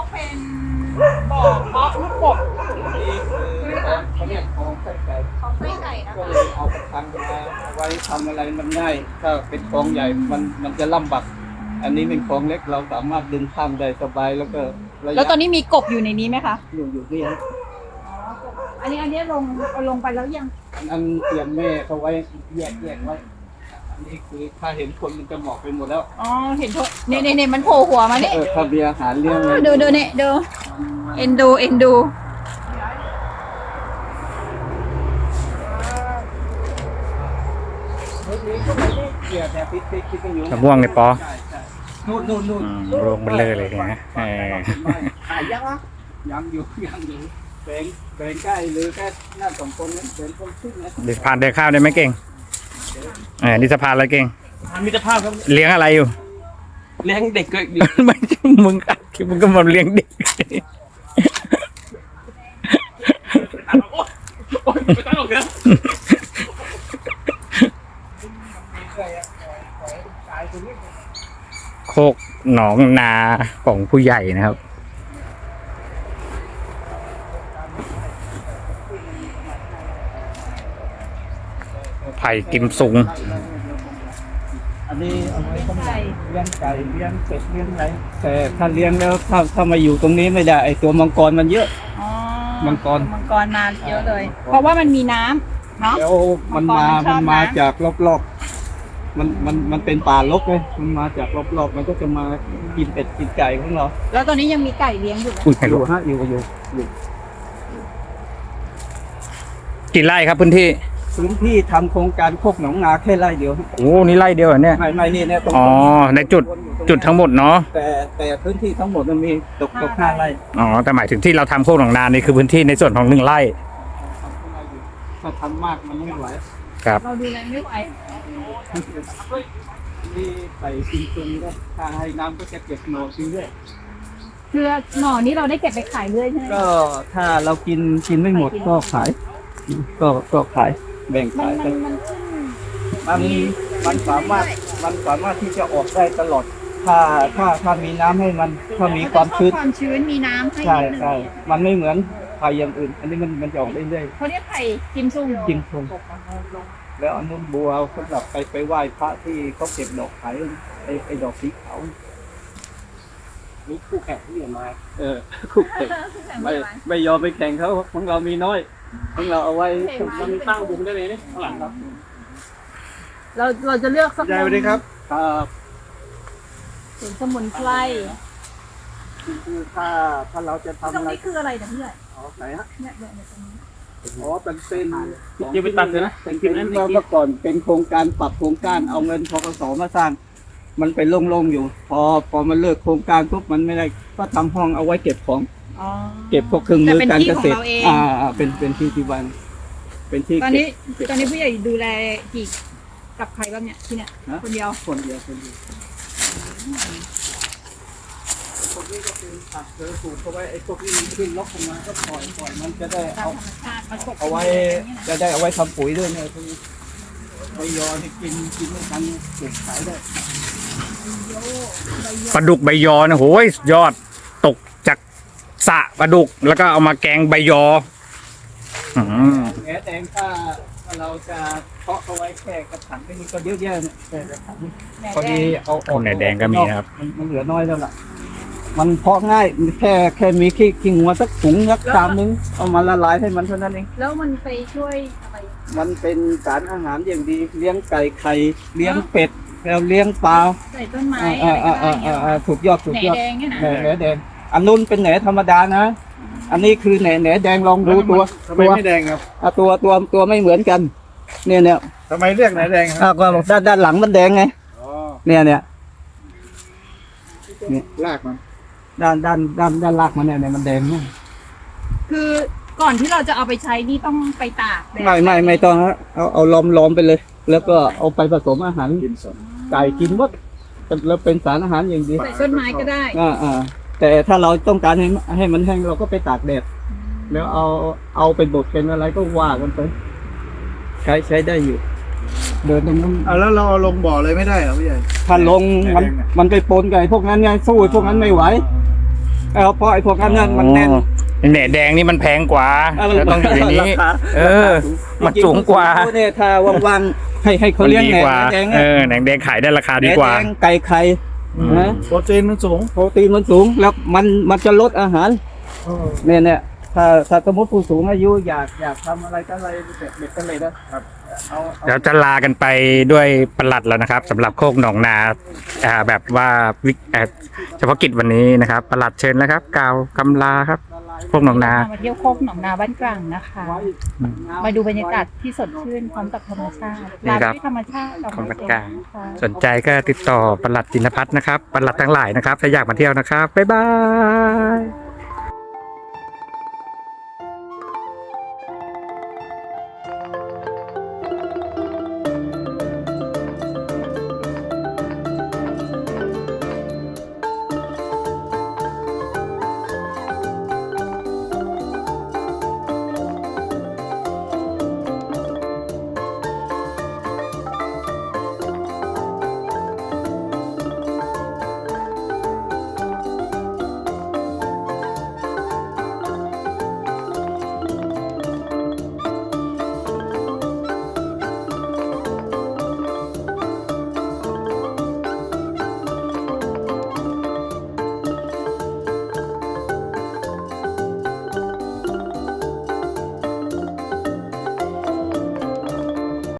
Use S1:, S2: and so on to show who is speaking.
S1: เป็นบ่อเพาะลูกกบ
S2: นี่คือเขาเรียกของไส้ไก่
S1: ของไส้ไก่นะ
S2: ก็
S1: คะ
S2: เลยเอาประทังมาไว้ทำอะไรมันง่ายถ้าเป็นคลองใหญ่มันจะลำบากอันนี้เป็นคลองเล็กเราสามารถดึงข้ามได้สบายแล้วก็ระยะ
S1: แล้วตอนนี้มีกบอยู่ในนี้ไหมคะ
S2: อยู่นี่ฮะ
S1: อันนี้ลงไปแล้วยัง
S2: อันเตรียมแม่เขาไว้แยกไว้อันนี้คือถ้าเห็นคนมันจะหมอกไปหมดแล้ว
S1: อ๋อเห็นโทเนี่ยมันโผล่หัวมาเนี่ย
S2: ถ้าเบียร์อาหารเลี้ยงเลย
S1: ดูเนี่ยดูเอ็นดู
S3: มะม่วงในปอ
S2: นู่น
S3: รวงเบลอเลยนะ
S2: ขายยังวะยังอยู่แบ่งใกล้หรือแค่หน้าสองคนนั้นเป็นคนขึ้นนะ
S3: เดินผ่านเดินข้าวได้ไหมเก่งนี่สะพานอะไรเก่ง
S4: มิตรภาพครับ
S3: เลี้ยงอะไรอยู่
S4: เลี้ยงเด็กก็
S3: ไม่ใช่มึงก็มาเลี้ยงเด็ก
S4: โอ๊ยไม่ต้องหรอกเนอะ
S3: โคกหนองนาของผู้ใหญ่นะครับไผ่กิมซุง
S2: อันนี้เอาไว้สำหรับเลี้ยงไก่เลี้ยงเป็ดเลี้ยงอะไรแต่ถ้าเลี้ยงแล้วถ้ามาอยู่ตรงนี้ไม่ได้ไอตัวมังกรมันเยอะ
S1: อ๋อ
S2: มังกร
S1: มาเยอะเลย เพราะว่ามันมีน้ำเนาะ
S2: แล้วมัน
S1: มังกรมันชอบ
S2: มา
S1: นะ
S2: จากรอบๆมันเป็นป่ารกเลยมันมาจากรอบๆมันก็จะมากินเป็ดกินไก่ของเรา
S1: แล้วตอนนี้ยังมีไก่เลี้ยงอยู่ไหม
S3: อุ้ยไม่
S2: อ
S3: รู้
S2: ยู่ฮะอยู่
S3: กี่ไร่ครับพื้นที่
S2: พื้นที่ทำโครงการโคกหนองนาแค่ไร่เดียว
S3: โอ้นี่ไร่เดียวเหรอเนี่ย
S2: ไม่นี่เนี่ยตรง
S3: อ๋อในจุดทั้งหมดเนาะ
S2: แต่พื้นที่ทั้งหมดมันมีตก5 ไร่
S3: อ๋อแต่หมายถึงที่เราทำโคกหนองนานี่คือพื้นที่ในส่วนของ1 ไร่
S2: ถ้าทำมากมันไม่ไหว
S3: ครับ
S1: เราดูแลไม่ไหว
S2: นี่ใส่ซิงซุงก็ถ้าให้น้ำก็จะเก็บหน่อซื้อด้วย
S1: คือหน่อนี้เราได้เก็บไปขายเรื่อยใช่ไหม
S2: ก็ถ้าเรากินไม่หมดก็ขายก็ขายแบ่งขายไป
S1: มันขึ้น
S2: มันสามารถที่จะออกได้ตลอด ถ้ามีน้ำให้มันถ้ามีความชื้น
S1: ความชื้นมีน้ำให้
S2: ใช่
S1: นิดนึง
S2: ใช่มันไม่เหมือนไผ่อย่างอื่น อันนี้มันจะออกเรื่อย
S1: เขาเรียกไผ่กิมซุง
S2: ๆจริงคงแล้วอันนู้นบัวสำหรับไปไหว้พระที่เขาเก็บดอกขายไอ้ดอกสีขาวนี่คู่แข่งที่อยู่มาคู่แข่งไม่ยอมไปแข่งเขาของเรามีน้อยของเราเอาไว้
S4: มันตั้งวงได้เลยเนี่ยข้างหลังครับ
S1: เราจะเลือกสัก
S4: ยายสวัสดีครับ
S2: ครับ
S1: สวนสมุนไพร
S2: คือถ้าเราจะ
S1: ตรง
S2: ทำอะไร
S1: นี้คืออะไรนะพี่ใหญ่
S2: ไหนฮะ
S1: เนี่ยตรงนี้
S2: อ๋อเป็น
S4: อย่าไปตัดเลยนะ
S2: เป็นเมื่อก่อนเป็นโครงการปรับโครงการเอาเงินพกสมาสร้าง มันไปโล่งๆอยู่ พอมันเลิกโครงการปุ๊บมันไม่ได้ก็ทำห้องเอาไว้เก็บของ
S1: อ๋อ
S2: เก็บพวกเครื่องมือการเกษตร
S1: แต่เป็นที่ของเราเอง
S2: เป็นที่ที่บ้านเป็นที่
S1: ตอนนี้
S2: เก็บ
S1: ผู้ใหญ่ดูแลกี่กับใครบ้างเนี่ยที่เนี่ย
S2: ฮะ
S1: คนเดียว
S2: คนเดียวพวกนี้ก็เป็นผักเสือปลูกเอาไว้ไอ้พวกนี้มันขึ้นลกลงมาก็ปล่อยมันจะได้
S1: ตาม
S2: เอา
S1: ธรรมชาติมันกบ
S2: เอาไว้จะได้เอาไว้ทำปุ๋ยด้วยเนี่ยพวกนี้ใบยอที่กินไม่ทันเก็บขายได้
S3: ปลาดุกใบยอนะโหยยอดตกจากสระปลาดุกแล้วก็เอามาแกงใบยออืม
S2: แหนแดงถ้าเราจะเพาะเอาไว้แค่กระถางนี่ก็เยอะแยะเนี่ยแค่กระถางพอดีเอาออก
S3: ไหนแดงก็มีนะครับ
S2: มันเหลือน้อยแล้วล่ะมันเพาะง่ายแค่มีขี้งัวสักถุงสัก3 นึงเอามาละลายให้มันเท่านั้นเอง
S1: แล้วมันไปช่วยอะไร
S2: มันเป็นสารอาหารอย่างดีเลี้ยงไก่ไข่เลี้ยงเป็ดแล้วเลี้ยงปลา
S1: ใส่ต้นไม้อะไรก็ได้เนี่ยเหรอ
S2: ถูกยอด
S1: แหนแดงเนี่ยนะ
S2: แหนแดงอันนู้นเป็นแหนธรรมดานะ อันนี้คือแหนแดงลองดูตัว
S4: ทำไมไม่แดงครับ
S2: ตัวไม่เหมือนกัน เนี่ย
S4: ทำไมเรียกไหนแดงครับ
S2: ก็บอกด้านหลังมันแดงไง
S4: อ๋อ
S2: เนี่ย
S4: ลากมัน
S2: ด้านลากมันเนี่ยมันแดงเนี่ย
S1: คือก่อนที่เราจะเอาไปใช้นี่ต้องไปตากแดด
S2: ไม่ต้องฮะเอาล้อมไปเลย แล้วก็เอาไปผสมอาหาร
S4: กินสด
S2: ไก่กินหมดแล้วเป็นสารอาหารอย่างดี
S1: ใส่ต้นไม้ก็ได้
S2: แต่ถ้าเราต้องการให้มันแห้งเราก็ไปตากแดดแล้วเอาเป็นบดเป็นอะไรก็ว่ากันไปใช้ได้อยู่ เดินตรงนั้น
S4: แล้วเราเอาลงบ่อเลยไม่ได้เหรอพี่ใหญ่
S2: ถ้าลงมันไปปนกับไอ้พวกนั้นไงสู้ไอ้พวกนั้นไม่ไหวเพราะไอ้พวกนั้นมันแน่น
S3: แหน่แดงนี่มันแพงกว่าแล้วต้องอยู่ในนี้
S2: ราคา
S3: มันสูงกว่า
S2: จริงๆเนี่ยถ้าว่างๆให้เขาเลี้ยง
S3: ดี
S2: แหน
S3: กว่า
S2: แดง
S3: แหนงแดงขายได้ราคาดีกว่า
S2: แดงไก่ไข่นะ
S4: โปรตีนมันสูง
S2: โปรตีนมันสูงแล้วมันจะลดอาหารเนี่ยถ้าสมมติผู้สูงอายุอยากทำอะไรก็อะไรเด็ดกันเลยนะครับเอา
S3: เดี๋ยวจะลากันไปด้วยประหลัดแล้วนะครับสำหรับโคกหนองนาแบบว่าเฉพาะกิจวันนี้นะครับประหลัดเชิญแล้วครับกล่าวคำลาครับโคกหนองนา
S1: มาเที่ยวโคกหนองนาบ้านกลางนะคะ มาดูบรรยากาศที่สดชื่นพร้อมกับธรรมชาติลาด้วยธรรมชาติ
S3: ของบ้านกลางสนใจก็ติดต่อประหลัดจินพัฒน์นะครับประหลัดทั้งหลายนะครับถ้าอยากมาเที่ยวนะครับบ๊ายบาย